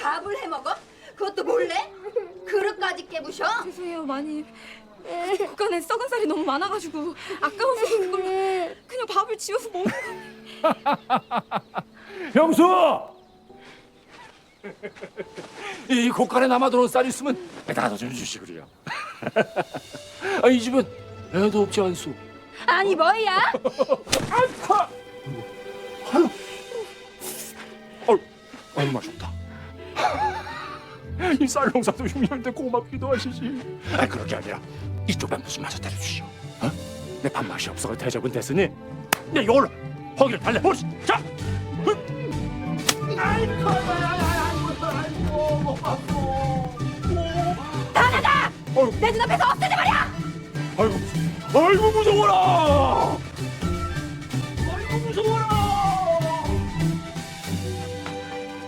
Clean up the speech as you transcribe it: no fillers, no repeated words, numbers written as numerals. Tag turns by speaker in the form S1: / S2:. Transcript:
S1: 밥을 해 먹어? 그것도 몰래? 그릇까지 깨부셔?
S2: 죄송해요, 마님. 국간에 썩은 쌀이 너무 많아가지고 아까워서 그걸로 그냥 밥을 지어서 먹는 거.
S3: 형수! 이 곳간에 남아도는 쌀 있으면 에다가 좀 주시구려. 이 집엔 애도 없지 않소?
S1: 아니 뭐야?
S3: 아유 맛있다. 이 쌀 농사도 흉년데 고맙기도 하시지. 그렇게 아니라 이쪽에 무슨 맛을 때려주시오. 내 밥맛이 없어서 대접은 됐으니 내 이걸로 허기를 달래보시. 자.
S1: 나나다! 내 눈앞에서 없애지 말이야!
S3: 아이고 무서워라.